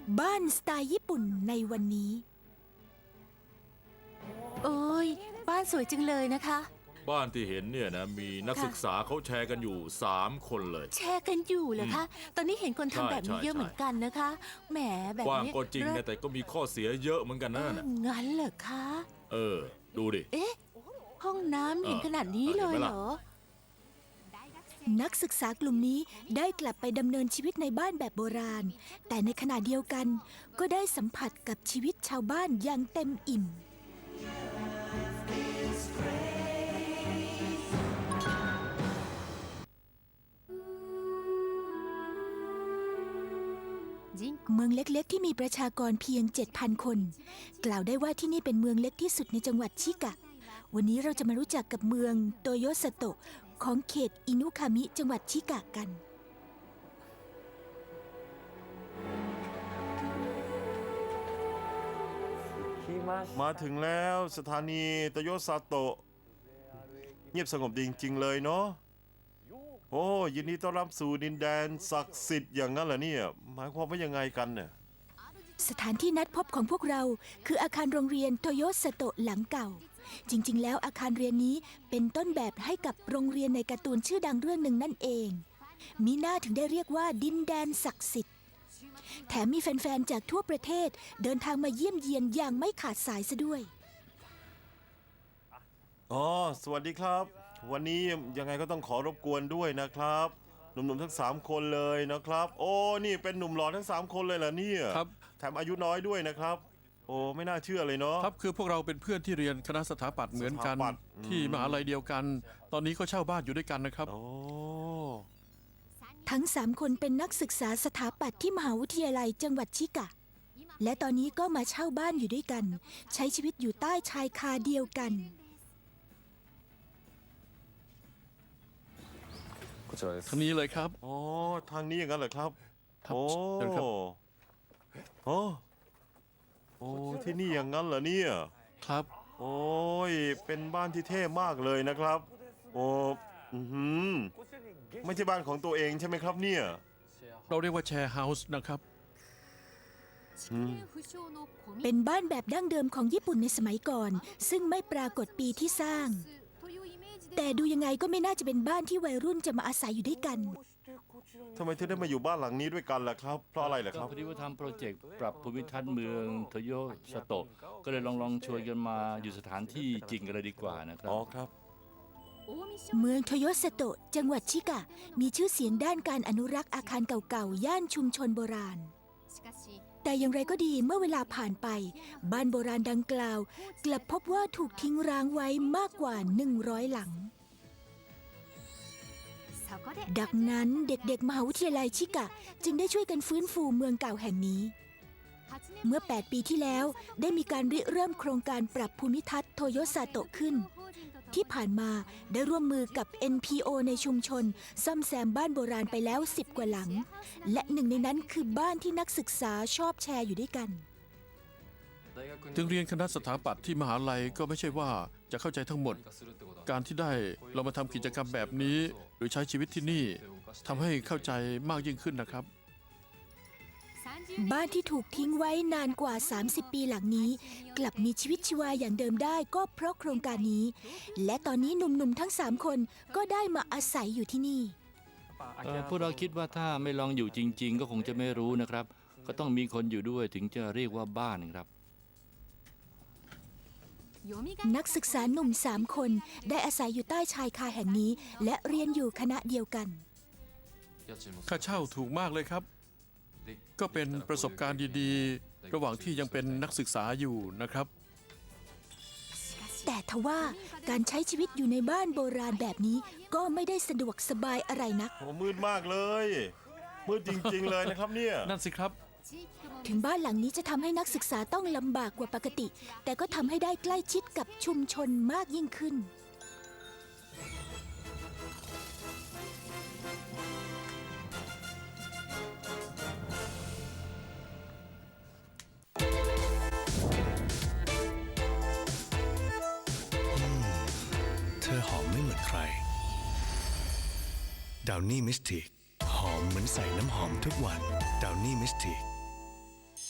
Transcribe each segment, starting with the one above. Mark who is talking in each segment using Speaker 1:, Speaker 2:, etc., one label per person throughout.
Speaker 1: บ้านสไตล์ญี่ปุ่นในวันนี้โอ้ยบ้านสวยจังเลยนะคะ
Speaker 2: บ้านที่เห็นเนี่ยนะมีนักศึกษาเขาแชร์กันอยู่3 คนเลย
Speaker 1: แชร์กันอยู่เหรอคะ ตอนนี้เห็นคนทำแบบนี้
Speaker 2: ใช่
Speaker 1: เยอะเหมือนกันนะคะแหมแบบ
Speaker 2: กว้าง
Speaker 1: นี้
Speaker 2: ก็จริงนะแต่ก็มีข้อเสียเยอะเหมือนกันนะน่ะ
Speaker 1: งั้นเหรอคะ
Speaker 2: ดูดิ
Speaker 1: เอ๊ะ ห้องน้ำเห็นขนาดนี้เลยเหรอ นักศึกษากลุ่มนี้ได้กลับไปดำเนินชีวิตในบ้านแบบโบราณ แต่ในขณะเดียวกันก็ได้สัมผัสกับชีวิตชาวบ้านอย่างเต็มอิ่ม เมืองเล็กๆที่มีประชากรเพียง 7,000 คน กล่าวได้ว่าที่นี่เป็นเมืองเล็กที่สุดในจังหวัดชิกะ วันนี้เราจะมารู้จักกับเมืองโตโยสโตะของเขตอินุคามิจังหวัดชิกะกัน
Speaker 3: มาถึงแล้วสถานีโตโยซาโตะเงียบสงบดีจริงๆเลยเนาะโอ้ยินดีต้อนรับสู่ดินแดนศักดิ์สิทธิ์อย่างนั้นเหรอเนี่ยหมายความว่ายังไงกันเนี่ย
Speaker 1: สถานที่นัดพบของพวกเราคืออาคารโรงเรียนโตโยสโตะหลังเก่า จริงๆ แล้วอาคารเรียนนี้เป็นต้นแบบให้กับโรงเรียนในการ์ตูนชื่อดังเรื่องหนึ่งนั่นเอง มีหน้าถึงได้เรียกว่าดินแดนศักดิ์สิทธิ์แถมมีแฟนๆ จากทั่วประเทศเดินทางมาเยี่ยมเยียนอย่างไม่ขาดสายซะด้วย
Speaker 3: อ๋อสวัสดีครับ วันนี้ยังไงก็ต้องขอรบกวนด้วยนะครับหนุ่มๆทั้ง3 คนเลยนะครับโอ้นี่เป็นหนุ่มหล่อทั้ง3 คนเลยเหรอเนี่ย
Speaker 4: ครับ
Speaker 3: แถมอายุน้อยด้วยนะครับโอ้ไม่น่าเชื่อเลยเนาะ
Speaker 4: ครับคือพวกเราเป็นเพื่อนที่เรียนคณะสถาปัตย์เหมือนกัน
Speaker 3: สถาปัตย์
Speaker 4: ที่มหาลัยเดียวกัน ตอนนี้ก็เช่าบ้านอยู่ด้วยกันนะครับ
Speaker 3: โอ้
Speaker 1: ทั้ง3 คนเป็นนักศึกษาสถาปัตย์ที่มหาวิทยาลัยจังหวัดชิกะ และตอนนี้ก็มาเช่าบ้านอยู่ด้วยกัน ใช้ชีวิตอยู่ใต้ชายคาเดียวกัน
Speaker 4: ทางนี้เลยครับ
Speaker 3: อ๋อทางนี้อย่างนั้นเหรอครับ
Speaker 4: ครับ
Speaker 3: โอ้
Speaker 4: เชิญครับ
Speaker 3: โอ้โอ้ที่นี่อย่างนั้นเหรอเนี่ย
Speaker 4: ครับ
Speaker 3: โอ้ยเป็นบ้านที่เท่มากเลยนะครับ โอ้อื้อหือไม่ใช่บ้านของตัวเองใช่ไหมครับเนี่ย
Speaker 4: เราเรียกว่าแชร์เฮาส์นะครับ
Speaker 1: เป็นบ้านแบบดั้งเดิมของญี่ปุ่นในสมัยก่อน ซึ่งไม่ปรากฏปีที่สร้าง แต่ดูยังไงก็ไม่น่าจะเป็นบ้านที่วัยรุ่นจะมาอาศัยอยู่ด้วยกัน
Speaker 3: ทำไมถึงได้มาอยู่บ้านหลังนี้ด้วยกันล่ะครับ เพราะอะไรล่ะครับ
Speaker 5: พอดีว่าทำโปรเจกต์ปรับภูมิทัศน์เมืองโตโยสโตะก็เลยลองชวนกันมาอยู่สถานที่จริงกันเลยดีกว่านะครับ
Speaker 3: อ๋อครับ
Speaker 1: เมืองโทโยสโตะจังหวัดชิกะ มีชื่อเสียงด้านการอนุรักษ์อาคารเก่าๆ ย่านชุมชนโบราณ แต่อย่างไรก็ดีเมื่อเวลาผ่านไป บ้านโบราณดังกล่าว กลับพบว่าถูกทิ้งร้างไว้มากกว่า 100 หลัง ดังนั้นเด็กๆ มหาวิทยาลัยชิกะ จึงได้ช่วยกันฟื้นฟูเมืองเก่าแห่งนี้ เมื่อ 8 ปีที่แล้วได้มีการริเริ่มโครงการปรับภูมิทัศน์โทโยซาโตะขึ้น ที่ผ่านมาได้ร่วมมือกับ NPO ในชุมชน ซ่อมแซมบ้านโบราณไปแล้ว 10 กว่าหลัง และหนึ่งในนั้นคือบ้านที่นักศึกษาชอบแชร์อยู่ด้วยกัน
Speaker 4: ถึงเรียนคณะสถาปัตย์ที่มหาลัยก็ไม่ใช่ว่าจะเข้าใจทั้งหมด การที่ได้เรามาทำกิจกรรมแบบนี้ หรือใช้ชีวิตที่นี่ทำให้เข้าใจมากยิ่งขึ้นนะครับ
Speaker 1: บ้านที่ถูกทิ้งไว้นานกว่า 30 ปีหลังนี้ กลับมีชีวิตชีวาอย่างเดิมได้ก็เพราะโครงการนี้ และตอนนี้หนุ่มๆทั้ง 3 คนก็ได้มาอาศัยอยู่ที่นี่
Speaker 5: พวกเราคิดว่าถ้าไม่ลองอยู่จริง ๆ ก็คงจะไม่รู้นะครับ ก็ต้องมีคนอยู่ด้วยถึงจะเรียกว่าบ้านครับ
Speaker 1: นักศึกษาหนุ่ม 3 คนได้อาศัยอยู่ใต้ชายคาแห่งนี้ และเรียนอยู่คณะเดียวกัน
Speaker 4: ค่าเช่าถูกมากเลยครับ ก็เป็นประสบการณ์ดีๆ ระหว่างที่ยังเป็นนักศึกษาอยู่นะครับ
Speaker 1: แต่ทว่าการใช้ชีวิตอยู่ในบ้านโบราณแบบนี้ก็ไม่ได้สะดวกสบายอะไรนัก
Speaker 3: โอ้มืดมากเลย มืดจริงๆเลยนะครับเนี่ย
Speaker 4: นั่นสิครับ
Speaker 1: ถึงบ้านหลังนี้จะทำให้นักศึกษาต้องลำบากกว่าปกติ แต่ก็ทำให้ได้ใกล้ชิดกับชุมชนมากยิ่งขึ้น
Speaker 6: เธอหอมไม่เหมือนใคร ดาวนี่มิสติกหอมเหมือนใส่น้ำหอมทุกวัน ดาวนี่มิสติก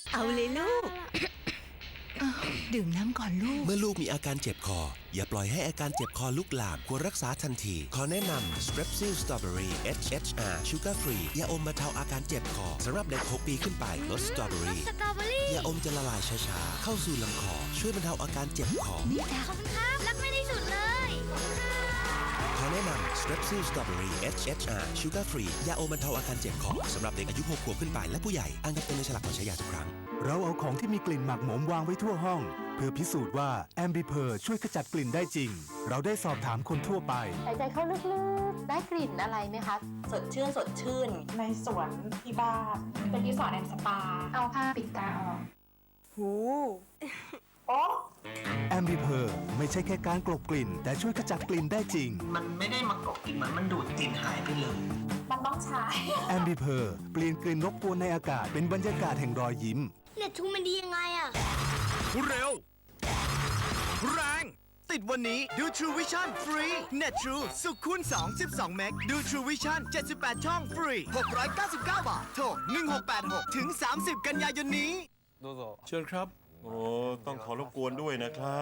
Speaker 7: เอาเลยลูก ดื่มน้ำก่อนลูก
Speaker 6: เมื่อลูกมีอาการเจ็บคอ อย่าปล่อยให้อาการเจ็บคอลุกลามควรรักษาทันที ขอแนะนำ Strepsil Strawberry HHR Sugar Free ยาอมบรรเทาอาการเจ็บคอสำหรับเด็ก 6 ปีขึ้นไปรสสตรอเบอรี่ยาอมจะละลายช้าๆ เข้าสู่ลำคอ ช่วยบรรเทาอาการเจ็บคอ
Speaker 7: นี่จ้ะ
Speaker 8: ขอบคุณครับ รักไม่ได้สุดเลย
Speaker 6: ขอแนะนำ Strepsil Strawberry HHR Sugar Free ยาอมบรรเทาอาการเจ็บคอสำหรับเด็กอายุ 6 ขวบขึ้นไปและผู้ใหญ่อ้างอิงในฉลากก่อนใช้ยาทุกครั้ง
Speaker 9: เราเอาของที่มีกลิ่นหมักหมมวางไว้ทั่วห้อง เพื่อพิสูจน์ว่าแอมบิเพอร์ช่วยขจัดกลิ่นได้จริง เราได้สอบถามคนทั่วไป
Speaker 10: หายใจเข้าลึกๆ ได้กลิ่นอะไรไหมคะ สดชื่นสดชื่น
Speaker 11: ในสวนที่บ้านเป็นรีสอร์ทแอนด์สปา เอาผ้าปิดตาออก
Speaker 10: หู
Speaker 11: โอ้
Speaker 9: แอมบิเพอร์ไม่ใช่แค่การกลบกลิ่น แต่ช่วยขจัดกลิ่นได้จริง
Speaker 12: มันไม่ได้มากบกลิ่นเหมือนมันดูดกลิ่นหายไปเลย
Speaker 11: มันต้องใช้
Speaker 9: แอมบิเพอร์เปลี่ยนกลิ่นรบกวนในอากาศเป็นบรรยากาศแห่งรอยยิ้ม
Speaker 8: เน็ตทูมันดียังไงอะ
Speaker 13: เร็ว แรง ติดวันนี้ดู True Vision ฟรี Net True สุขคูณ2 12 เมกดู True Vision 78 ช่องฟรี 699 บาท โทร 1686 ถึง 30 กันยายนนี้
Speaker 4: เชิญครับ
Speaker 3: โอ้ต้องขอรบกวนด้วยนะครับ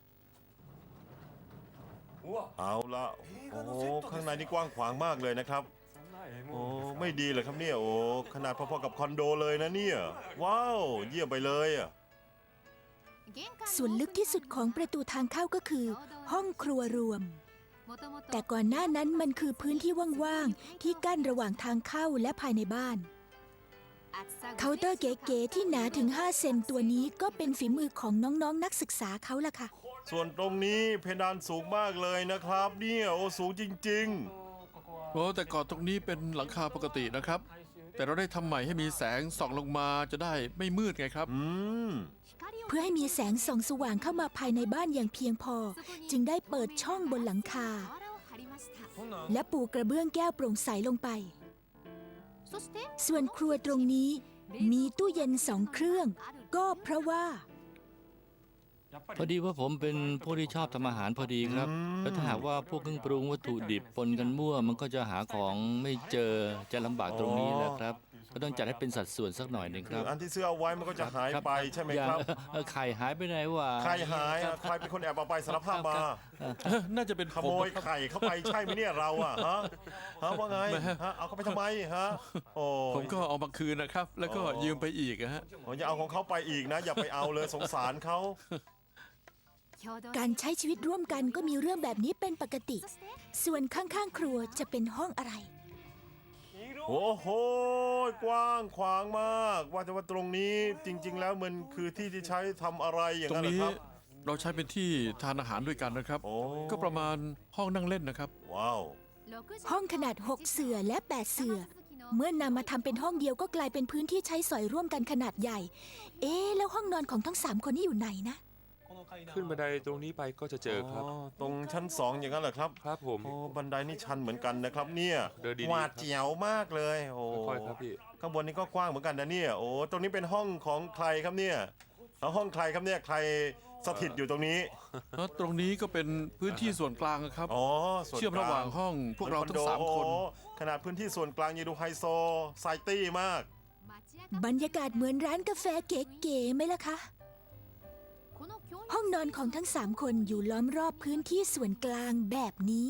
Speaker 3: เอาละโอ้ข้างในนี่กว้างขวางมากเลยนะครับโอ้ไม่ดีเลยครับเนี่ยโอ้ขนาดพอๆกับคอนโดเลยนะเนี่ยว้าวเยี่ยมไปเลยอ่ะ
Speaker 1: ส่วนลึกที่สุดของประตูทางเข้าก็คือ ห้องครัวรวม แต่ก่อนหน้านั้นมันคือพื้นที่ว่างๆที่กั้นระหว่างทางเข้าและภายในบ้านเคาน์เตอร์เก๋ๆที่หนาถึง 5 เซนตัวนี้ก็เป็นฝีมือของน้องๆนักศึกษาเขาล่ะค่ะ
Speaker 3: ส่วนตรงนี้เพดานสูงมากเลยนะครับเนี่ยโอ้สูงจริง
Speaker 4: โอ้แต่ก่อนตรงนี้เป็นหลังคาปกตินะครับ แต่เราได้ทำใหม่ให้มีแสงส่องลงมาจะได้ไม่มืดไงครับ
Speaker 1: เพื่อให้มีแสงส่องสว่างเข้ามาภายในบ้านอย่างเพียงพอ จึงได้เปิดช่องบนหลังคา และปูกระเบื้องแก้วโปร่งใสลงไป ส่วนครัวตรงนี้มีตู้เย็น2 เครื่อง ก็เพราะว่า
Speaker 5: พอดีว่าผมเป็นผู้ที่ชอบทำอาหารพอดีครับ แล้วถ้าหากว่าพวกเครื่องปรุงวัตถุดิบปนกันมั่ว มันก็จะหาของไม่เจอจะลำบากตรงนี้แหละครับ ก็ต้องจัดให้เป็นสัดส่วนสักหน่อยหนึ่ง
Speaker 3: ๆ
Speaker 5: ครับ
Speaker 3: อันที่ซื้อเอาไว้มันก็จะหายไปใช่ไหม
Speaker 5: อย่าง
Speaker 3: ครับ
Speaker 5: ไข่หายไปไหนวะ
Speaker 3: ใครหายอ่ะใครเป็นคนแอบเอาไปสารภาพมา
Speaker 4: น่าจะเป็น
Speaker 3: ขโมยไข่เข้าไปใช่ไหมเนี่ยเราอ่ะฮะว่าไงฮะเอาเข้าไปทำไมฮะโอ้
Speaker 4: ผมก็เอามาคืนนะครับ แล้วก็ยืมไปอีกนะฮะ
Speaker 3: อย่าเอาของเขาไปอีกนะ อย่าไปเอาเลยสงสารเขา
Speaker 1: การใช้ชีวิตร่วมกันก็มีเรื่องแบบนี้เป็นปกติ ส่วนข้างๆครัวจะเป็นห้องอะไร
Speaker 3: โอ้โหกว้างขวางมาก ว่าแต่ว่าตรงนี้จริง ๆ แล้วมันคือที่ที่ใช้ทำอะไรอย่าง
Speaker 4: ตรง
Speaker 3: นั้นเหรอ
Speaker 4: นี้
Speaker 3: ครับ
Speaker 4: เราใช้เป็นที่ทานอาหารด้วยกันนะครับ
Speaker 3: โอ้
Speaker 4: ก็ประมาณห้องนั่งเล่นนะครับ
Speaker 3: ว้าว
Speaker 1: ห้องขนาด 6 เสื่อและ 8 เสื่อ เมื่อนำมาทำเป็นห้องเดียวก็กลายเป็นพื้นที่ใช้สอยร่วมกันขนาดใหญ่ แล้วห้องนอนของทั้ง 3 คนนี่อยู่ไหนนะ
Speaker 14: ขึ้นบันไดตรงนี้ไปก็จะเจอครับ
Speaker 3: ตรงชั้น 2 อย่างนั้นเหรอครับ
Speaker 14: ครับผม
Speaker 3: โอ้บันไดนี่ชันเหมือนกันนะครับเนี่ย
Speaker 14: เดินดีๆ
Speaker 3: หวาดเจียวมากเลยโอ้
Speaker 14: ค่อยๆครับพี่
Speaker 3: ข้างบนนี่ก็กว้างเหมือนกันนะเนี่ยโอ้ตรงนี้เป็นห้องของใครครับเนี่ยเอาห้องใครครับเนี่ยใครสถิตอยู่ตรงนี้
Speaker 4: แล้วตรงนี้ก็เป็นพื้นที่ส่วนกลางนะครับ
Speaker 3: อ๋อส่วน
Speaker 4: เชื่อมระหว่างห้องพวกเราทั้ง 3 คน
Speaker 3: โอ้ขนาดพื้นที่ส่วนกลางยังดูไฮโซไซตี้มาก
Speaker 1: บรรยากาศเหมือนร้านกาแฟเก๋ๆไหมล่ะคะ ห้องนอนของทั้ง 3 คนอยู่ล้อมรอบพื้นที่ส่วนกลางแบบนี้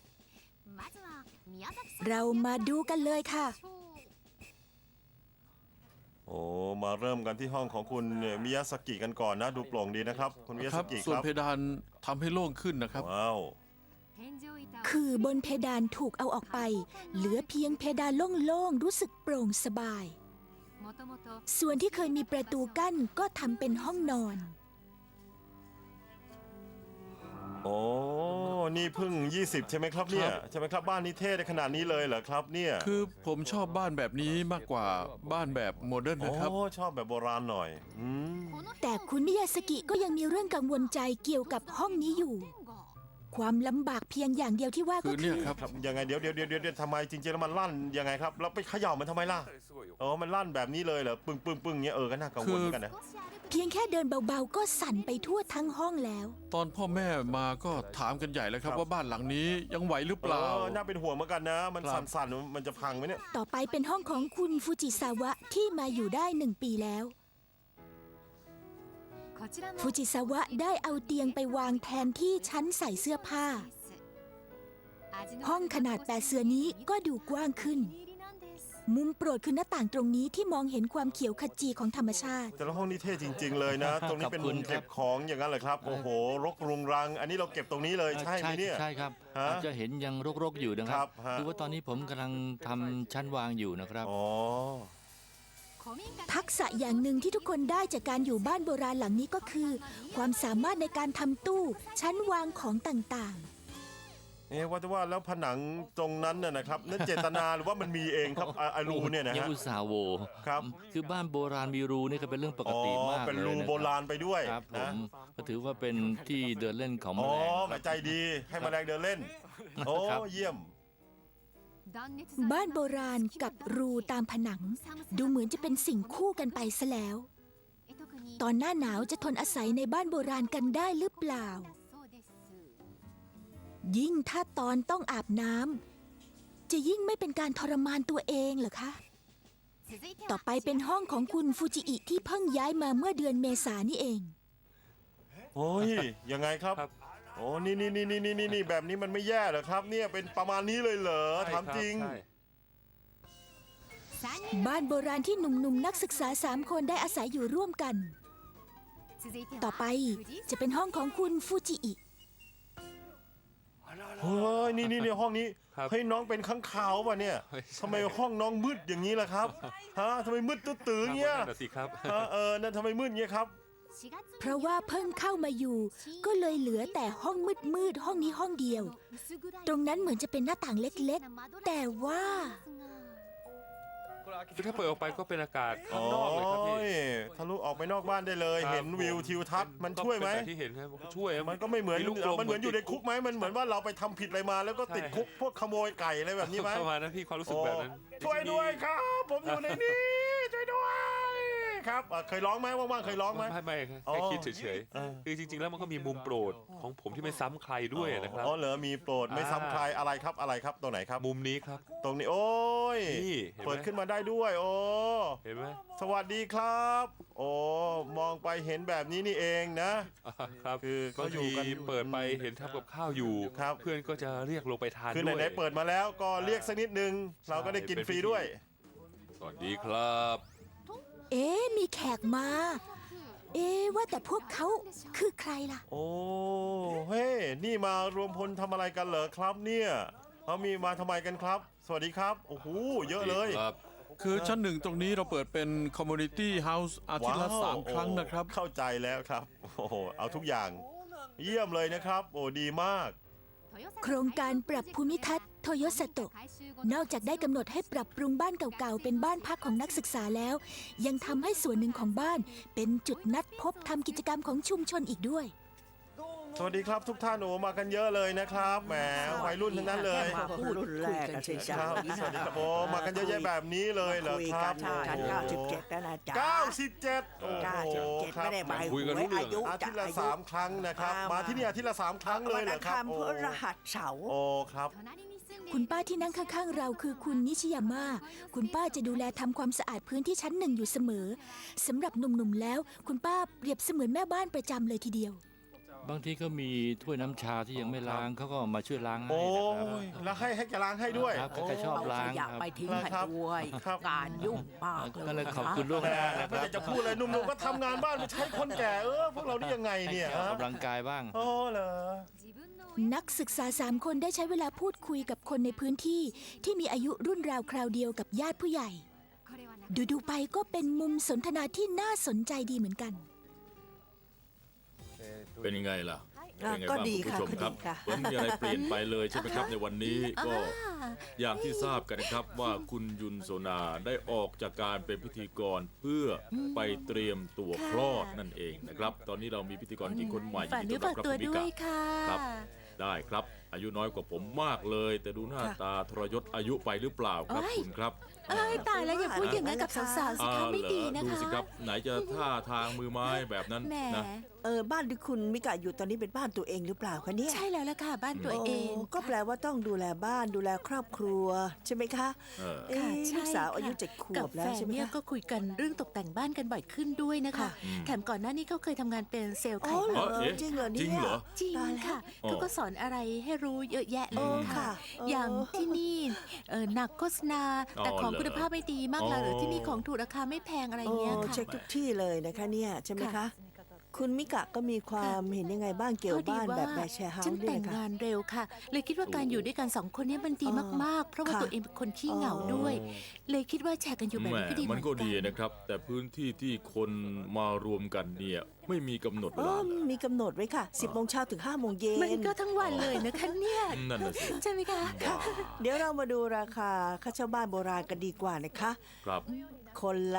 Speaker 1: เรามาดูกันเลยค่ะ
Speaker 3: โอ้มาเริ่มกันที่ห้องของคุณมิยาสกิกันก่อนนะ ดูโปร่งดีนะครับ คุณมิยา
Speaker 4: ค
Speaker 3: ส
Speaker 4: รับ
Speaker 3: กิ
Speaker 4: ส่วน
Speaker 3: ครับ
Speaker 4: เพดานทำให้โล่งขึ้นนะครับ
Speaker 3: ว้าว
Speaker 1: คือบนเพดานถูกเอาออกไป เหลือเพียงเพดานโล่งๆรู้สึกโปร่งสบาย ส่วนที่เคยมีประตูกั้นก็ทำเป็นห้องนอน
Speaker 3: โอ้นี่เพิ่ง 20 ใช่ไหมครับเนี่ยใช่ไหมครับบ้านนี้เท่ได้ขนาดนี้เลยเหรอครับเนี่ย
Speaker 4: คือผมชอบบ้านแบบนี้มากกว่าบ้านแบบโมเดิร์นนะครับ
Speaker 3: โอ้ชอบแบบโบราณหน่อย
Speaker 1: แต่คุณมิยาสกิก็ยังมีเรื่องกังวลใจเกี่ยวกับห้องนี้อยู่ ความลำบากเพียงอย่างเดียวที่ว่าก็
Speaker 4: คือ
Speaker 1: คื
Speaker 4: เนี่ย
Speaker 1: อ
Speaker 4: ครับ
Speaker 3: ยังไงเดี๋ยวทำไมจริงๆแล้วมันลั่นยังไงครับแล้วไปเขย่ามันทำไมล่ะมันลั่นแบบนี้เลยเหรอปึ้งเงี้ยก็น่ากังวลเหมือนกันนะ
Speaker 1: เพียงแค่เดินเบาๆก็สั่นไปทั่วทั้งห้องแล้ว
Speaker 4: ตอนพ่อแม่มาก็ถามกันใหญ่เลยครับว่าบ้านหลังนี้ยังไหวหรือเปล่า
Speaker 3: น่าเป็นห่วงเหมือนกันนะ มันสั่นๆมันจะพังไหมเนี่ย
Speaker 1: ต่อไปเป็นห้องของคุณฟูจิซาวะที่มาอยู่ได้1 ปีแล้วฟูจิซาวะได้เอาเตียงไปวางแทนที่ชั้นใส่เสื้อผ้า ห้องขนาด8 เสือนี้ก็ดูกว้างขึ้น มุมโปรดคือหน้าต่างตรงนี้ที่มองเห็นความเขียวขจีของธรรมชาติ
Speaker 3: แต่ละห้องนี้เท่จริง ๆ เลยนะ ตรงนี้เป็นมุมเก็บของอย่างนั้นเหรอครับ โอ้โห รกรุงรัง อันนี้เราเก็บตรงนี้เลยใช่ไหมเนี่ย
Speaker 5: ใช่ครับ
Speaker 3: ฮะ
Speaker 5: อาจจะเห็นยังรกๆอยู่นะค
Speaker 3: ครั
Speaker 5: รั
Speaker 3: บบ ฮะ
Speaker 5: คือว่าตอนนี้ผมกำลังทำชั้นวางอยู่นะครับ
Speaker 3: อ๋อ
Speaker 1: ทักษะอย่างหนึ่งที่ทุกคนได้จากการอยู่บ้านโบราณหลังนี้ก็คือ ความสามารถในการทำตู้ชั้นวางของต่าง
Speaker 3: ว่าแต่ว่าแล้วผนังตรงนั้นน่ะนะครับนั่นเจตนาหรือว่ามันมีเองครับไอรูเนี่ยนะ
Speaker 5: ยัง
Speaker 3: ฮะ
Speaker 5: อุตส่าห์โว
Speaker 3: ครับ
Speaker 5: คือบ้านโบราณมีรูนี่ก็เป็นเรื่องปกติมาก
Speaker 3: เป็น
Speaker 5: เลย
Speaker 3: รู
Speaker 5: นะค
Speaker 3: โบราณไปด้วย
Speaker 5: ครับผ
Speaker 3: นะ
Speaker 5: มก็ถือว่าเป็นที่เดินเล่นของแม
Speaker 3: อ๋อ
Speaker 5: ลง
Speaker 3: ใจดีให้แมลงเดินเล่น โอ้
Speaker 5: ครับ
Speaker 3: เยี่ยม
Speaker 1: ๆ บ้านโบราณกับรูตามผนัง ดูเหมือนจะเป็นสิ่งคู่กันไปซะแล้ว ตอนหน้าหนาวจะทนอาศัยในบ้านโบราณกันได้หรือเปล่า ยิ่งถ้าตอนต้องอาบน้ำจะยิ่งไม่เป็นการทรมานตัวเองเหรอคะ ต่อไปเป็นห้องของคุณฟูจิอิที่เพิ่งย้ายมาเมื่อเดือนเมษายนนี่เอง
Speaker 3: โอ้ยยังไงครับ
Speaker 14: ครับ
Speaker 3: โอ้นี่แบบนี้มันไม่แย่เหรอครับ เนี่ยเป็นประมาณนี้เลยเหรอถามจริง
Speaker 14: ใช่
Speaker 1: บ้านโบราณที่หนุ่มๆนักศึกษา3 คนได้อาศัยอยู่ร่วมกัน ต่อไปจะเป็นห้องของคุณฟูจิอิ
Speaker 3: เฮ้ยนี่ห้องนี้
Speaker 14: ครับ
Speaker 3: เฮ้ยน้องเป็นข้างขาวป่ะเนี่ย
Speaker 14: ไม่ใช่
Speaker 3: ทำไมห้องน้องมืดอย่างนี้ล่ะครับฮะทำไมมืดตื้อๆเงี้ย
Speaker 14: นั่นน่ะสิครับ
Speaker 3: ฮะนั่นทำไมมืดเงี้ยครับ
Speaker 1: เพราะว่าเพิ่งเข้ามาอยู่ ก็เลยเหลือแต่ห้องมืดๆห้องนี้ห้องเดียว ตรงนั้นเหมือนจะเป็นหน้าต่างเล็กๆ แต่ว่า
Speaker 14: คือถ้าเปิดออกไปก็เป็นอากาศ
Speaker 3: โอ้
Speaker 14: ข้างนอกเลยครับพี่
Speaker 3: ยทะลุออกไปนอกบ้านได้เลย
Speaker 14: ครับ
Speaker 3: เห็นวิวทิวทัศน์มันช่วยไหม
Speaker 14: ก็เป็นแบบที่เห็นครับช่วย
Speaker 3: มันก็ไม่เหมือน
Speaker 14: ลูกกล
Speaker 3: มันเหมือนอยู่ในคุกไหมมันเหมือนว่าเราไปทำผิดอะไรมาแล้วก็ติดคุกพวกขโมยไก่อะไรแบบนี้ไหม
Speaker 14: ประมาณนั้นพี่ความรู้สึกแบบนั้น
Speaker 3: โอ้ช่วยด้วยครับ ผมอยู่ในนี้ช่วยด้วยครับเคยร้องไหมว่างๆเคยร้องไหม
Speaker 14: ไม่ครับ
Speaker 3: อ๋อ
Speaker 14: แค่คิดเฉย
Speaker 3: เออ
Speaker 14: ๆคือจริงๆแล้วมันก็มีมุมโปรดของผมที่ไม่ซ้ำใครด้วยนะครับ
Speaker 3: อ๋อเหรอมีโปรดไม่ซ้ำใครอะไรครับตัวไหนครับ
Speaker 14: มุมนี้ครับ
Speaker 3: ตรงนี้โอ้ย
Speaker 14: นี่เห็นไหม
Speaker 3: เปิดขึ้นมาได้ด้วยโอ้
Speaker 14: เห็นไหม
Speaker 3: สวัสดีครับ โอ้มองไปเห็นแบบนี้นี่เองนะ
Speaker 14: ครับ
Speaker 3: คือเขา
Speaker 14: บาง
Speaker 3: อยู่
Speaker 14: ที
Speaker 3: กัน
Speaker 14: เปิดไปเห็นทำกับข้าวอยู่
Speaker 3: ครับ
Speaker 14: เพื่อนก็จะเรียกลงไปทาน
Speaker 3: คือ
Speaker 14: ด้วย
Speaker 3: ไหนๆเปิดมาแล้วก็เรียกสักนิดนึง เราก็ได้กินฟรีด้วย
Speaker 14: สวัสดีครับ
Speaker 1: เอ๊ะมีแขกมา เอ๊ะว่าแต่พวกเขาคือใครล่ะ
Speaker 3: โอ้เฮ้นี่มารวมพลทำอะไรกันเหรอครับเนี่ยเขามีมาทำไมกันครับ สวัสดีครับโอ้โหเยอะเลย
Speaker 14: ครับ
Speaker 4: คือชั้นหนึ่งตรงนี้เราเปิดเป็น Community House อาทิตย์ละ
Speaker 3: ว้าว
Speaker 4: 3 ครั้งนะครับ
Speaker 3: เข้าใจแล้วครับโอ้โหเอาทุกอย่าง เยี่ยมเลยนะครับ โอ้ดีมาก
Speaker 1: โครงการปรับภูมิทัศน์โทโยสโตะนอกจากได้กำหนดให้ปรับปรุงบ้านเก่าๆเป็นบ้านพักของนักศึกษาแล้ว ยังทำให้ส่วนหนึ่งของบ้านเป็นจุดนัดพบทำกิจกรรมของชุมชนอีกด้วย
Speaker 3: สวัสดีครับทุกท่านโอ้มากันเยอะเลยนะครับแหมวัยรุ่นทั้งนั้นเลย
Speaker 15: มาพูดรุ่นแรกกันสิ
Speaker 3: ค
Speaker 15: จ๊ะ
Speaker 3: รับสวัสดีครับโอ้มากันเยอะแยะแบบนี้เลยเหรอ
Speaker 15: คุย
Speaker 3: ค
Speaker 15: กั
Speaker 3: รั
Speaker 15: น
Speaker 3: บ
Speaker 15: ฉัน97แล้วนะจ๊ะ
Speaker 3: 97โอ้โหค
Speaker 15: 97
Speaker 3: รับ
Speaker 15: ไม่ได้หมาย
Speaker 14: คุยกันรู้เรื่อง
Speaker 15: อายุ
Speaker 3: อาทิตย์ละ
Speaker 15: อายุ
Speaker 3: 3 ครั้งนะครับ มาที่นี่อาทิตย์ละ3 ครั้งเลยเหรอครับ
Speaker 15: วันอังคารพฤหัสเสาร์
Speaker 3: โอ้ครับ
Speaker 1: คุณป้าที่นั่งข้างๆเราคือคุณนิชิยาม่าคุณป้าจะดูแลทำความสะอาดพื้นที่ชั้น 1อยู่เสมอสำหรับหนุ่มๆแล้ว คุณป้าเปรียบเสมือนแม่บ้านประจำเลยทีเดียว
Speaker 5: บางทีก็มีถ้วยน้ำชาที่ยังไม่ล้างเขาก็มาช่วยล้างให้
Speaker 3: โอ้
Speaker 5: นะครับ
Speaker 3: ยแล้วให้แกล้างให้ด้วย
Speaker 5: ครับเขาจะชอบ
Speaker 15: เอา
Speaker 5: ล้า
Speaker 15: ข
Speaker 5: ง
Speaker 15: ยะ
Speaker 5: ครับ
Speaker 15: ไปทิ้งให้
Speaker 3: ครับ
Speaker 15: ด้วย
Speaker 3: ครับ
Speaker 15: การยุ่งมาก
Speaker 5: ก็เลย
Speaker 15: นะ
Speaker 5: ขอบคุณล่วงหน้านะค
Speaker 3: ไม่
Speaker 5: รับ
Speaker 3: อยากจะพูดเลยหนุ่มๆก็ทำงานบ้านไม่ใช่คนแก่พวกเรานี่ยังไง
Speaker 5: ให้
Speaker 3: เนี่ย
Speaker 5: แกออก
Speaker 3: ฮะ
Speaker 5: กำลังกายบ้าง
Speaker 3: โอ้เหรอ
Speaker 1: นักศึกษา3 คนได้ใช้เวลาพูดคุยกับคนในพื้นที่ที่มีอายุรุ่นราวคราวเดียวกับญาติผู้ใหญ่ ดูๆไปก็เป็นมุมสนทนาที่น่าสนใจดีเหมือนกัน
Speaker 2: เป็นยังไงล่ะ เป็นยังไง
Speaker 15: ก็
Speaker 2: บ้าง
Speaker 15: ดี
Speaker 2: คุณ
Speaker 15: ค่ะ
Speaker 2: ผู้ชม
Speaker 15: ก็
Speaker 2: ครั
Speaker 15: ดี
Speaker 2: บ
Speaker 15: ค่ะ
Speaker 2: เหมือนมีอะไรเปลี่ยนไปเลยใช่ไหมครับในวันนี้ก็อย่างที่ทราบกันนะครับว่าคุณยุนโซนาได้ออกจากการเป็นพิธีกรเพื่อไปเตรียมตัวคลอดนั่นเองนะครับ ตอนนี้เรามีพิธีกรหญิงคนใหม่
Speaker 1: ฝากเนื้อฝากตัวด้วยค่ะ
Speaker 2: ครับ ได้ครับอายุน้อยกว่าผมมากเลย แต่ดูหน้าตาทรยศอายุไปหรือเปล่าครับคุณครับ
Speaker 1: เอ้ยตายแล้วอย่าพูดอย่างนั้นกับสาวๆสิคะไม่ดีนะ
Speaker 2: ดู
Speaker 1: คะ
Speaker 2: สิครับไหนจะท่าทางมือไม้แบบนั้น
Speaker 1: แหม
Speaker 2: นะ
Speaker 15: บ้านที่คุณมิกะอยู่ตอนนี้เป็นบ้านตัวเองหรือเปล่าคะเนี่ย
Speaker 1: ใช่แล้วล่ะค่ะ บ้านตัวเอง
Speaker 15: ก็แปลว่าต้องดูแลบ้านดูแลครอบครัวใช่ไหมคะ
Speaker 1: ค่ะใช่
Speaker 15: ลูกสาวอายุ
Speaker 1: ค่ะ
Speaker 15: 7 ขว
Speaker 1: กับบ
Speaker 15: แล้
Speaker 1: แฟ
Speaker 15: วน ใช่ไหม
Speaker 1: เนี่ย
Speaker 15: คะ
Speaker 1: ก็คุยกันเรื่องตกแต่งบ้านกันบ่อยขึ้นด้วยนะคะ
Speaker 15: ค่ะ
Speaker 1: แถมก่อนหน้านี้เขาเคยทำงานเป็นเซลล์
Speaker 15: อ๋
Speaker 1: ขา
Speaker 15: อย เหร
Speaker 1: บ้า
Speaker 15: อน
Speaker 2: เอ๊ะ
Speaker 15: จริงเหรอเนี่ย
Speaker 2: จริงเหรอ
Speaker 1: จริง
Speaker 15: ตายแล้ว
Speaker 1: ค่ะ
Speaker 2: อ๋อ
Speaker 1: เขาก็สอนอะไรให้รู้เยอะแยะเลยค่ะ
Speaker 15: ค่ะ
Speaker 1: อย่างที่นี่หนักโฆษณา แต่
Speaker 2: อ๋อ
Speaker 1: ของ
Speaker 2: เหรอ
Speaker 1: คุณภาพไม่ดีมากเลยหรือที่นี่ของถูกราคาไม่แพงอะไรเงี้ย
Speaker 15: โอ้
Speaker 1: ค่ะ
Speaker 15: เช็คทุกที่เลยนะคะเนี่ยใช่ไหมคะ
Speaker 1: ค่ะ
Speaker 15: คุณมิกะก็มีความเห็นยังไงบ้างเกี่ยวกับบ้านแบบแบชแชร์เฮา
Speaker 1: ฉัน
Speaker 15: ส์ด้ว
Speaker 1: แต่
Speaker 15: ย
Speaker 1: ง
Speaker 15: นะคะ
Speaker 1: งานเร็วค่ะ เลยคิดว่าการอยู่ด้วยกันสองคนนี้มันดีมากๆ เพราะว่า
Speaker 15: ค่ะ
Speaker 1: ตัวเองเป็นคนขี้เหงาด้วย เลยคิดว่าแชร์กันอยู่แบบ
Speaker 2: แหม
Speaker 1: นี้ก็ดีเห
Speaker 2: มั
Speaker 1: มื
Speaker 2: น
Speaker 1: อน
Speaker 2: ก็
Speaker 1: กั
Speaker 2: ดี
Speaker 1: น
Speaker 2: นะครับ แต่พื้นที่ที่คนมารวมกันเนี่ยไม่มีกำหนดเว
Speaker 15: อ๋อ
Speaker 2: ลาเลย
Speaker 15: มีกำหนดไว้ค่ะ 10 โมงเช้าถึง 5 โมงเย็น
Speaker 1: มันก็ทั้งวันเลยนะคะเนี่ย
Speaker 2: นั่นน่ะสิ
Speaker 1: ใช่ไหมคะ
Speaker 2: ว้าว
Speaker 15: เดี๋ยวเรามาดูราคาค่าเช่าบ้านโบราณกันดีกว่านะคะ
Speaker 2: ครับ
Speaker 15: คนละ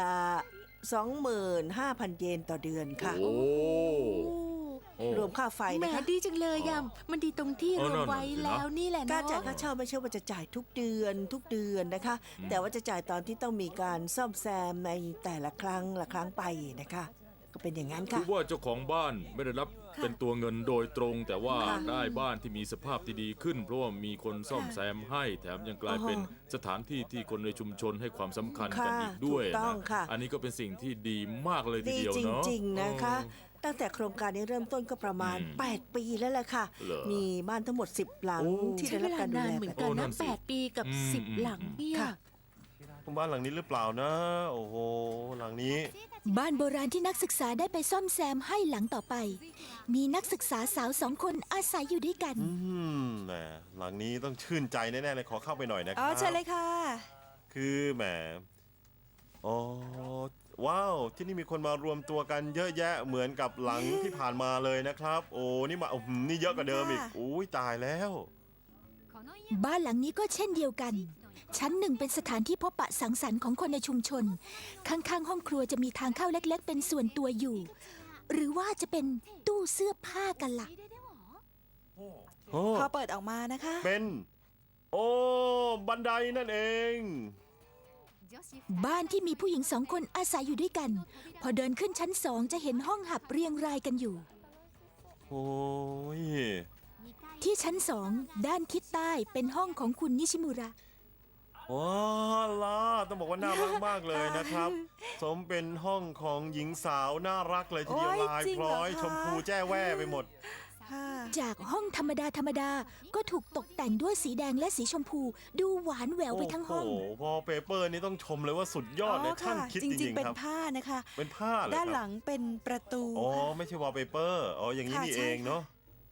Speaker 15: 25,000 เยนต่อเดือนค่ะ
Speaker 2: โอ้โอ้
Speaker 15: รวมค่าไฟ
Speaker 1: แหม
Speaker 15: นะคะ
Speaker 1: ดีจังเลยยำมันดีตรงที่
Speaker 2: เออ
Speaker 1: รวมไว้
Speaker 2: นั่นน่ะสินะ
Speaker 1: แล้วนี่แหละ
Speaker 15: การ
Speaker 1: เนาะ
Speaker 15: จ่ายค่าเช่าไม่ใช่ว่าจะจ่ายทุกเดือนนะคะ แต่ว่าจะจ่ายตอนที่ต้องมีการซ่อมแซมในแต่ละครั้งไปนะคะ ก็เป็นอย่างนั้น
Speaker 2: คื
Speaker 15: ค่ะ
Speaker 2: อว่าเจ้าของบ้านไม่ได้รับเป็นตัวเงินโดยตรง แต่ว่า
Speaker 15: ค่ะ
Speaker 2: ได้บ้านที่มีสภาพที่ดีขึ้น เพราะว่ามีคนซ่อมแซมให้ แถมยังกลายเป็นสถานที่ที่คนในชุมชนให้ความสำคัญกัน
Speaker 15: ค่ะ
Speaker 2: อีกด้วย
Speaker 15: ถูกต้อ
Speaker 2: นะ
Speaker 15: งค่ะ
Speaker 2: อันนี้ก็เป็นสิ่งที่ดีมากเลยที
Speaker 15: ดี
Speaker 2: เดียว
Speaker 15: จ
Speaker 2: เนาะ
Speaker 15: ริงๆนะคะ ตั้งแต่โครงการนี้เริ่มต้นก็ประมาณ 8 ปีแล้วแหละค่ะ
Speaker 2: เหรอ
Speaker 15: มีบ้านทั้งหมด 10 หลัง
Speaker 2: โอ้
Speaker 15: ที่
Speaker 1: ใช้
Speaker 15: ได้
Speaker 1: เว
Speaker 15: รับ
Speaker 1: ลา
Speaker 15: การดู
Speaker 1: นาน
Speaker 15: แล
Speaker 1: เหมือน
Speaker 15: แบบ
Speaker 1: กัน
Speaker 2: โอ้นั่
Speaker 1: นะ
Speaker 2: นสิ
Speaker 1: 8 ปีกับ 10 หลังเนี่ย
Speaker 15: ค่ะ
Speaker 3: บ้านหลังนี้หรือเปล่านะ โอ้โห หลังนี้
Speaker 1: บ้านโบราณที่นักศึกษาได้ไปซ่อมแซมให้หลังต่อไป มีนักศึกษาสาว2 คนอาศัยอยู่ด้วยกัน
Speaker 3: แหมหลังนี้ต้องชื่นใจแน่ๆเลยขอเข้าไปหน่อยนะค
Speaker 7: อ๋
Speaker 3: รั
Speaker 7: อบ เชิญเลยค่ะ
Speaker 3: คือแหมอ๋อว้าว ที่นี่มีคนมารวมตัวกันเยอะแยะเหมือนกับหลังที่ผ่านมาเลยนะครับ โอ้นี่มานี่เยอะกว่าเดิมอีก
Speaker 7: ค่ะ
Speaker 3: อุ้ยตายแล้ว
Speaker 1: บ้านหลังนี้ก็เช่นเดียวกัน ชั้นหนึ่งเป็นสถานที่พบปะสังสรรค์ของคนในชุมชน ข้างๆห้องครัวจะมีทางเข้าเล็กๆ เป็นส่วนตัวอยู่ หรือว่าจะเป็นตู้เสื้อผ้ากันล่ะ
Speaker 3: โอ้
Speaker 7: พอเปิดออกมานะคะ
Speaker 3: เป็น โอ้บันไดนั่นเอง
Speaker 1: บ้านที่มีผู้หญิง2 คนอาศัยอยู่ด้วยกัน พอเดินขึ้นชั้น 2 จะเห็นห้องหับเรียงรายกันอยู่
Speaker 3: โอ้ย
Speaker 1: ที่ชั้น 2 ด้านทิศใต้เป็นห้องของคุณนิชิมุระ
Speaker 3: ว้าวล่ะต้องบอกว่าน่ารักมากเลยนะครับ สมเป็นห้องของหญิงสาวน่ารักเลยทีเดียว
Speaker 7: โอ้ย
Speaker 3: ลาย
Speaker 7: จริง
Speaker 3: พ
Speaker 7: เหรอ
Speaker 3: ร้อย
Speaker 7: คะ
Speaker 3: ชมพูแจ้แว่ไปหมด
Speaker 7: ค่ะ
Speaker 1: จากห้องธรรมดาก็ถูกตกแต่งด้วยสีแดงและสีชมพู ดูหวานแหววไปทั้งห้อง
Speaker 3: โอ้โหพอเปเปอร์นี่ต้องชมเลยว่าสุดยอดเลยช่างคิด
Speaker 7: จ
Speaker 3: จ
Speaker 7: ริ
Speaker 3: ริ
Speaker 7: ง
Speaker 3: ง
Speaker 7: ๆ เป็
Speaker 3: ๆ
Speaker 7: น
Speaker 3: ครับ
Speaker 7: ผ้านะคะ
Speaker 3: เป็นผ้าเหรอ
Speaker 7: ด้าน
Speaker 3: ค
Speaker 7: ห
Speaker 3: รั
Speaker 7: ลั
Speaker 3: บ
Speaker 7: งเป็นประตู
Speaker 3: อ๋อไม่ใช่วอลเปเปอร์อ๋ออย่างนี้
Speaker 7: ค่ะ
Speaker 3: นี่
Speaker 7: ใช่
Speaker 3: เองเนาะ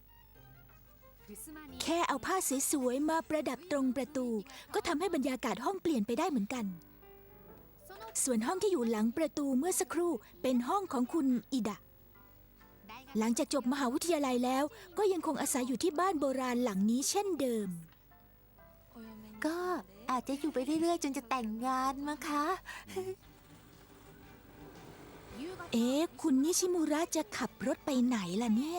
Speaker 1: แค่เอาผ้าสวยๆมาประดับตรงประตู ก็ทำให้บรรยากาศห้องเปลี่ยนไปได้เหมือนกัน ส่วนห้องที่อยู่หลังประตูเมื่อสักครู่เป็นห้องของคุณอิดะ หลังจากจบมหาวิทยาลัยแล้ว ก็ยังคงอาศัยอยู่ที่บ้านโบราณหลังนี้เช่นเดิม ก็อาจจะอยู่ไปเรื่อยๆ จนจะแต่งงานมั้งคะ เอ๊ะ คุณนิชิมุระจะขับรถไปไหนล่ะเนี่ย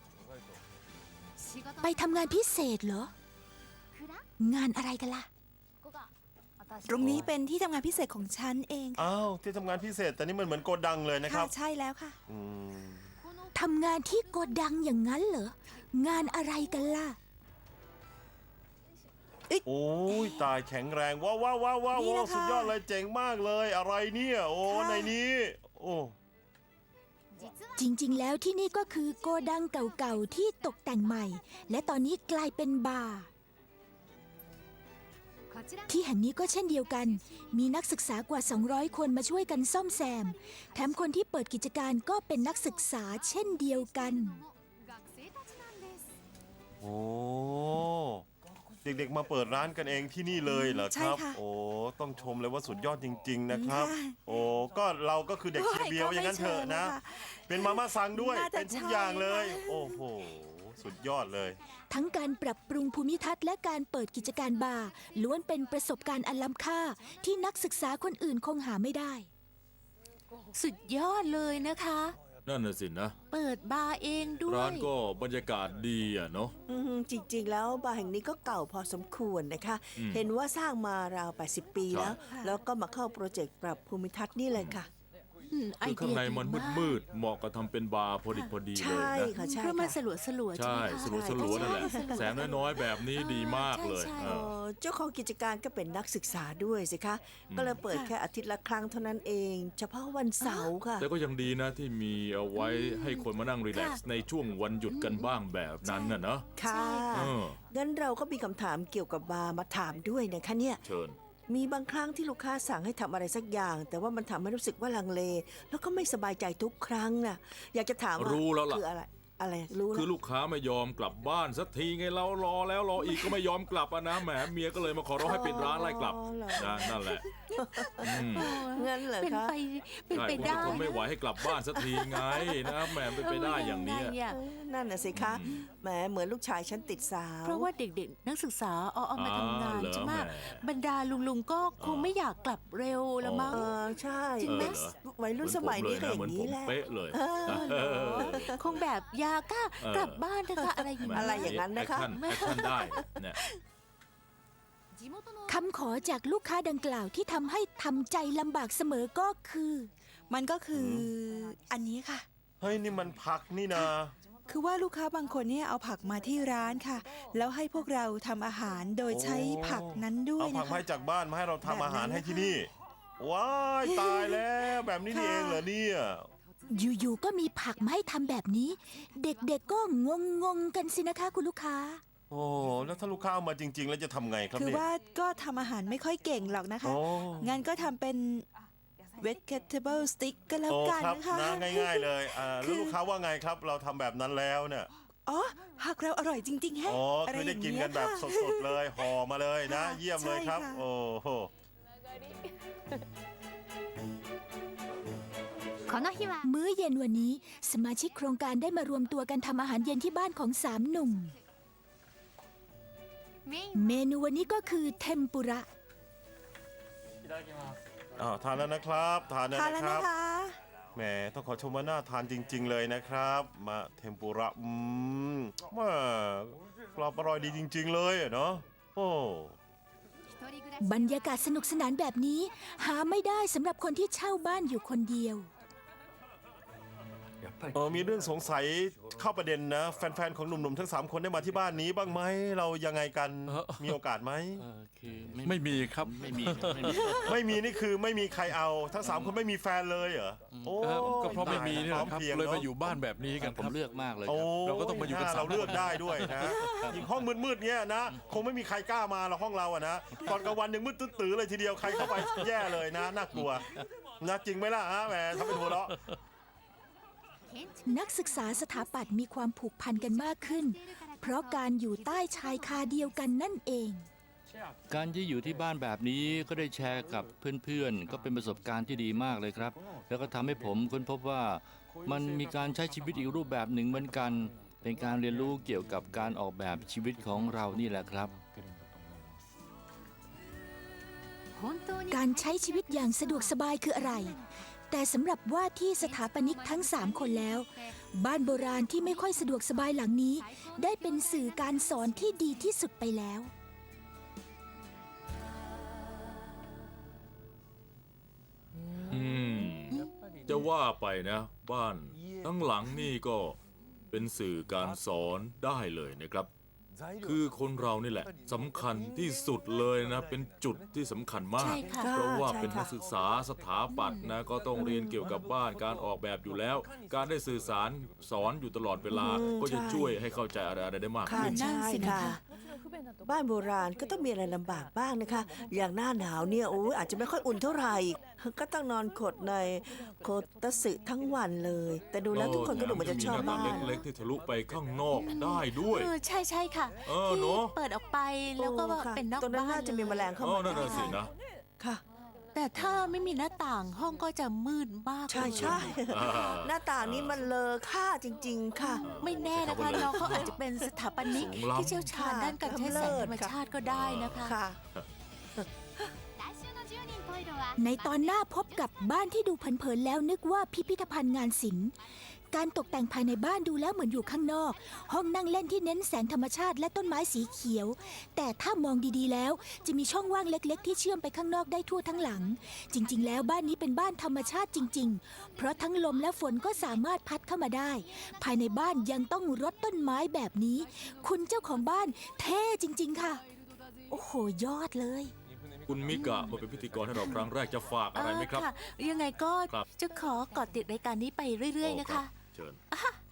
Speaker 1: ไปทำงานพิเศษเหรอ งานอะไรกันล่ะ
Speaker 7: ตรงนี้เป็นที่ทำงานพิเศษของฉันเองค่ะ
Speaker 3: อ้าวที่ทำงานพิเศษแต่นี่มันเหมือนโกดังเลยนะค
Speaker 7: ค่ะ
Speaker 3: รับ
Speaker 7: ใช่แล้วค่ะ
Speaker 3: อืม
Speaker 1: ทำงานที่โกดังอย่างนั้นเหรอ งานอะไรกันล่ะ
Speaker 3: โอ้ยตายแข็งแรงว้าวว้าวว้าวว้าว
Speaker 7: นี่แหละค่ะ
Speaker 3: สุดยอดเลยเจ๋งมากเลย อะไรเนี่ยโอ้
Speaker 7: ค่ะ
Speaker 3: ในนี้โอ้
Speaker 1: จริงๆ แล้วที่นี่ก็คือโกดังเก่าๆ ที่ตกแต่งใหม่ และตอนนี้กลายเป็นบาร์ ที่แห่งนี้ก็เช่นเดียวกัน มีนักศึกษากว่า 200 คนมาช่วยกันซ่อมแซม แถมคนที่เปิดกิจการก็เป็นนักศึกษาเช่นเดียวกัน
Speaker 3: โอ้เด็กๆมาเปิดร้านกันเองที่นี่เลยเหรอ
Speaker 7: ใช่
Speaker 3: ครับ
Speaker 7: ค่ะ
Speaker 3: โอ้ต้องชมเลยว่าสุดยอดจริง ๆ นะครับ
Speaker 7: ค่ะ
Speaker 3: โอ้ก็เราก็คือเด็กเชียร์เบียวอย่างนั้นเถอะนะ
Speaker 7: ก็ไม่เชิงนะคะ
Speaker 3: เป็นมาม่าซังด้วย
Speaker 7: น่าจะ
Speaker 3: เป็นทุกอย่างเลย
Speaker 7: ใช่ค่ะ
Speaker 3: โอ้โหสุดยอดเลย
Speaker 1: ทั้งการปรับปรุงภูมิทัศน์และการเปิดกิจการบาร์ล้วนเป็นประสบการณ์อันล้ำค่าที่นักศึกษาคนอื่นคงหาไม่ได้ สุดยอดเลยนะคะ
Speaker 2: นั่นน่ะสินะ
Speaker 1: เปิดบาร์เองด้วย
Speaker 2: ร้านก็บรรยากาศดีอะเนาะ
Speaker 15: จริงๆ แล้วบาร์แห่งนี้ก็เก่าพอสมควรนะคะ เห็นว่าสร้างมาราว 80 ปีแล้ว
Speaker 1: ค่ะ
Speaker 15: แล้วก็มาเข้าโปรเจกต์ปรับภูมิทัศน์นี่เลยค่ะ
Speaker 1: ไอ
Speaker 2: คือ
Speaker 1: เดีย
Speaker 2: ข้างในมัน
Speaker 1: ดีาก
Speaker 2: มืดๆเหมาะกับทำเป็นบาร์พอดีเลย
Speaker 15: ใช่
Speaker 2: นะ
Speaker 15: ค่ะใช่
Speaker 1: เพราะมัน
Speaker 15: ค่ะ
Speaker 1: สลัวๆใช่
Speaker 2: ใช่
Speaker 1: ไหมคะ
Speaker 2: สลัวๆนั่นแหละ
Speaker 1: ใช่
Speaker 2: แสงน้อยๆแบบนี้ดีมากเลย
Speaker 1: ใช่
Speaker 2: เออ
Speaker 15: เจ้าของกิจการก็เป็นนักศึกษาด้วยสิคะ ก็เลยเปิดแค่อาทิตย์ละครั้งเท่านั้นเอง เฉพาะวันเสาร์ค่ะ
Speaker 2: แต่ก็ยังดีนะที่มีเอาไว้ให้คนมานั่งรีแลกซ์ในช่วงวันหยุดกันบ้างแบบนั้นน่ะเนอะ
Speaker 15: ค่ะ
Speaker 2: เออ
Speaker 15: งั้นเราก็มีคำถามเกี่ยวกับบาร์มาถามด้วยนะคะเนี่ย
Speaker 2: เชิญ
Speaker 15: มีบางครั้งที่ลูกค้าสั่งให้ทำอะไรสักอย่าง แต่ว่ามันทำให้รู้สึกว่าลังเล แล้วก็ไม่สบายใจทุกครั้งน่ะ อยากจะถามว่า
Speaker 2: รู้แล้วล่ะ
Speaker 15: คืออะไร อะไรรู้
Speaker 2: คือ
Speaker 15: แล้ว
Speaker 2: ลูกค้าไม่ยอมกลับบ้านสักทีไงเรารอแล้วรออีกก็ไม่ยอมกลับอะนะแหมเมียก็เลยมาขอร้องให้ปิดร้านไล่กลับ
Speaker 15: อ๋อเหรอ
Speaker 2: นั่นแหละอืม
Speaker 15: งั้นเหรอ
Speaker 1: เป็น
Speaker 15: คะ
Speaker 1: ไปเป็น
Speaker 2: ใช่
Speaker 1: ไป
Speaker 2: ผม
Speaker 1: ได้
Speaker 2: จะทนไม่ไหวให้กลับบ้านสักทีไงนะแหมเป็นไปได้อย่างเนี้ย
Speaker 1: ไงอะ
Speaker 15: นั่นน่ะสิคะ แหมเหมือนลูกชายฉันติดสาว
Speaker 1: เพราะว่าเด็กๆ นักศึกษาเอามาทำงาน
Speaker 2: เหรอ
Speaker 1: ใช่ไหม
Speaker 2: แหม
Speaker 1: บรรดาลุงๆก็คงไม่อยากกลับเร็วละมั้ง
Speaker 15: ใช่
Speaker 1: จริงไหม
Speaker 15: วัยรุ่นสมัยนี้ก็อย่างนี้แหละ
Speaker 2: เป๊ะเลย
Speaker 1: คงแบบยาก้ากลับบ้านเถอะค่ะอะไรอย่าง
Speaker 15: อะไรอย่างนั้นนะคะ
Speaker 2: แอคชั่นได้เนี่ย
Speaker 1: คำขอจากลูกค้าดังกล่าวที่ทำให้ทำใจลำบากเสมอก็คือ
Speaker 7: มันก็คืออันนี้ค่ะ
Speaker 3: เฮ้ยนี่มันผักนี่นะ
Speaker 7: คือว่าลูกค้าบางคนเนี่ยเอาผักมาที่ร้านค่ะ แล้วให้พวกเราทำอาหารโดยใช้ผักนั้นด้วย
Speaker 3: เอาผั
Speaker 7: นะ
Speaker 3: กมา
Speaker 7: คะ
Speaker 3: ให้จากบ้านมาให้เราทำอาหาร
Speaker 7: แบบนั้น
Speaker 3: ให้ที่นี่ ว้ายตายแล้วแบบนี้นี่เองเหรอเนี่ย
Speaker 1: อยู่ๆ ก็มีผักมาให้ทำแบบนี้ เด็กๆ ก็งงๆ กันสินะคะคุณลูกค้า
Speaker 3: โอ้แล้วถ้าลูกค้าเอามาจริง ๆ แล้วจะทำไงครับ
Speaker 7: คือ
Speaker 3: เนี่ย
Speaker 7: ว่าก็ทำอาหารไม่ค่อยเก่งหรอกนะคะ
Speaker 3: โอ้
Speaker 7: งั้นก็ทำเป็น vegetable stick ก็แล้ว
Speaker 3: โอ้
Speaker 7: กัน
Speaker 3: ครับ
Speaker 7: นะคะ
Speaker 3: นะง่าย ๆ เลยแล้วลูกค้าว่าไงครับ เราทำแบบนั้นแล้วเนี่ย
Speaker 7: อ๋อผักเราอร่อยจริงๆแฮะ
Speaker 3: อ๋อ
Speaker 7: อะไร
Speaker 3: คือ
Speaker 7: อ
Speaker 3: ได้
Speaker 7: ย่าง
Speaker 3: กิน
Speaker 7: เงี้
Speaker 3: กั
Speaker 7: ย
Speaker 3: นแบบ
Speaker 7: ค่ะ
Speaker 3: สดๆเลยห่อมาเลยนะ
Speaker 7: ค่ะ
Speaker 3: เยี่ยมเลยครับ
Speaker 7: ใช่ค่ะ
Speaker 3: โอ้โห
Speaker 1: มื้อเย็นวันนี้สมาชิกโครงการได้มารวมตัวกันทำอาหารเย็นที่บ้านของ3 หนุ่ม เมนูวันนี้ก็คือเทมปุระ
Speaker 3: ทานแล้วนะครับทานแล้ว
Speaker 7: ทานแล้ว
Speaker 3: นะค
Speaker 7: นะ
Speaker 3: รับ
Speaker 7: คะ
Speaker 3: แหมต้องขอชมว่าน่าทานจริง ๆ เลยนะครับ มาเทมปุระมากรอบอร่อยดีจริง ๆ เลยอะเนาะโอ้
Speaker 1: บรรยากาศสนุกสนานแบบนี้ หาไม่ได้สำหรับคนที่เช่าบ้านอยู่คนเดียว
Speaker 3: มีเรื่องสงสัยเข้าประเด็นนะ แฟน ๆ ของหนุ่ม ๆ ทั้ง 3 คนได้มาที่บ้านนี้บ้างไหมเรายังไงกันมีโอกาสไหม
Speaker 5: คือ
Speaker 4: ไม่มีครับ
Speaker 5: ไม่มีครับไม่มี
Speaker 3: ไม่มีนี่คือไม่มีใครเอาทั้ง 3 คนไม่มีแฟนเลยเหรอโอ้
Speaker 4: ก็เพราะไม่มีนี่แหละครับ
Speaker 3: พอมพง
Speaker 4: เลย
Speaker 3: น
Speaker 4: มา
Speaker 3: อะ
Speaker 4: อยู่บ้านแบบนี้กัน
Speaker 5: ผมเลือกมากเลยค
Speaker 3: โอ้
Speaker 5: รับ
Speaker 4: เราก็ต้องมาอยู่กัน
Speaker 3: เรา
Speaker 4: 3
Speaker 3: เลือกได้ด้วยนะยิ่งห้องมืดๆเนี้ยนะ คงไม่มีใครกล้ามาหรอกห้องเราอะนะตอนกลางวันยังมืดตื้อๆเลยทีเดียวใครเข้าไปแย่เลยนะน่ากลัวนะจริงไหมล่ะฮะแหมทำเป็นหัวเราะ
Speaker 1: นักศึกษาสถาปัตย์มีความผูกพันกันมากขึ้น เพราะการอยู่ใต้ชายคาเดียวกันนั่นเอง
Speaker 5: การที่อยู่ที่บ้านแบบนี้ก็ได้แชร์กับเพื่อนๆ ก็เป็นประสบการณ์ที่ดีมากเลยครับ แล้วก็ทำให้ผมค้นพบว่ามันมีการใช้ชีวิตอีกรูปแบบหนึ่งเหมือนกัน เป็นการเรียนรู้เกี่ยวกับการออกแบบชีวิตของเรานี่แหละครับ
Speaker 1: การใช้ชีวิตอย่างสะดวกสบายคืออะไร แต่สำหรับว่าที่สถาปนิกทั้ง 3 คนแล้ว บ้านโบราณที่ไม่ค่อยสะดวกสบายหลังนี้ ได้เป็นสื่อการสอนที่ดีที่สุดไปแล้ว
Speaker 2: จะว่าไปนะ บ้านทั้งหลังนี่ก็เป็นสื่อการสอนได้เลยนะครับ คือคนเรานี่แหละสำคัญที่สุดเลยนะ เป็นจุดที่สำคัญมาก
Speaker 1: ใช่ค่ะ
Speaker 2: เพราะว่า
Speaker 15: ใช่ค่ะ
Speaker 2: เป็นนักศึกษาสถาปัตย์นะก็ต้องเรียนเกี่ยวกับบ้านการออกแบบอยู่แล้ว การได้สื่อสารสอนอยู่ตลอดเวลา ก็จะช่วยให้เข้าใจอะไรๆได้มาก
Speaker 15: ค่ะ
Speaker 2: ขึ้น
Speaker 15: ใช่
Speaker 1: นั่นสินะ
Speaker 15: ค่ะ
Speaker 1: คะ
Speaker 15: บ้านโบราณก็ต้องมีอะไรลำบากบ้างนะคะ อย่างหน้าหนาวเนี่ยโอ้ยอาจจะไม่ค่อยอุ่นเท่าไหร่ ก็ต้องนอนขดในโคตะสึทั้งวันเลย แต่ดูแล้วทุกคนก็ดูเหมือนจะชอบ
Speaker 2: มีหน้า
Speaker 15: บ้า
Speaker 2: ต่าง
Speaker 15: น
Speaker 2: เล็กๆที่ทะลุไปข้างนอกได้ด้วย
Speaker 1: ใช่ใช่ค่ะ
Speaker 2: เออ
Speaker 1: ที่
Speaker 2: เนอะ
Speaker 1: เปิดออกไปแล้วก็
Speaker 15: โอ้ค่ะ
Speaker 1: เป็นนอก
Speaker 15: ตรงนั้น
Speaker 1: บ้าน
Speaker 15: น่าจะมีแมลงเข้า
Speaker 2: อ๋อ
Speaker 15: มา
Speaker 2: นั่นน่ะสินะ
Speaker 15: ค่ะ
Speaker 1: แต่ถ้าไม่มีหน้าต่างห้องก็จะมืดมาก
Speaker 15: ใช่
Speaker 1: เลย
Speaker 15: ใช่
Speaker 2: อ่า
Speaker 15: หน้าต่างนี้มันเลอค่าจริง ๆ ค่ะ
Speaker 1: ไม่แน่นะคะน้องเขาอาจจะเป็นสถาปนิก
Speaker 2: สูงล้ำ
Speaker 1: ที่เชี่ยวชาญด้านการใช้แสงธรรมชาติก็ได้นะคะ
Speaker 15: ค่ะ
Speaker 1: ในตอนหน้าพบกับบ้านที่ดูเผินๆแล้วนึกว่าพิพิธภัณฑ์งานศิลป์การตกแต่งภายในบ้านดูแล้วเหมือนอยู่ข้างนอก ห้องนั่งเล่นที่เน้นแสงธรรมชาติและต้นไม้สีเขียว แต่ถ้ามองดีๆแล้วจะมีช่องว่างเล็กๆ ที่เชื่อมไปข้างนอกได้ทั่วทั้งหลัง จริงๆ แล้วบ้านนี้เป็นบ้านธรรมชาติจริงๆ เพราะทั้งลมและฝนก็สามารถพัดเข้ามาได้ ภายในบ้านยังต้องรดต้นไม้แบบนี้ คุณเจ้าของบ้านเท่จริงๆค่ะ โอ้โหยอดเลย
Speaker 2: คุณมิกะมาเป็นพิธีกรให้เราครั้งแรกจะฝากอะไรไหมครับ
Speaker 16: ยังไงก็
Speaker 2: ครับ
Speaker 16: จะขอเกาะติดรายการนี้ไปเรื่อยๆนะคะ
Speaker 2: เชิญ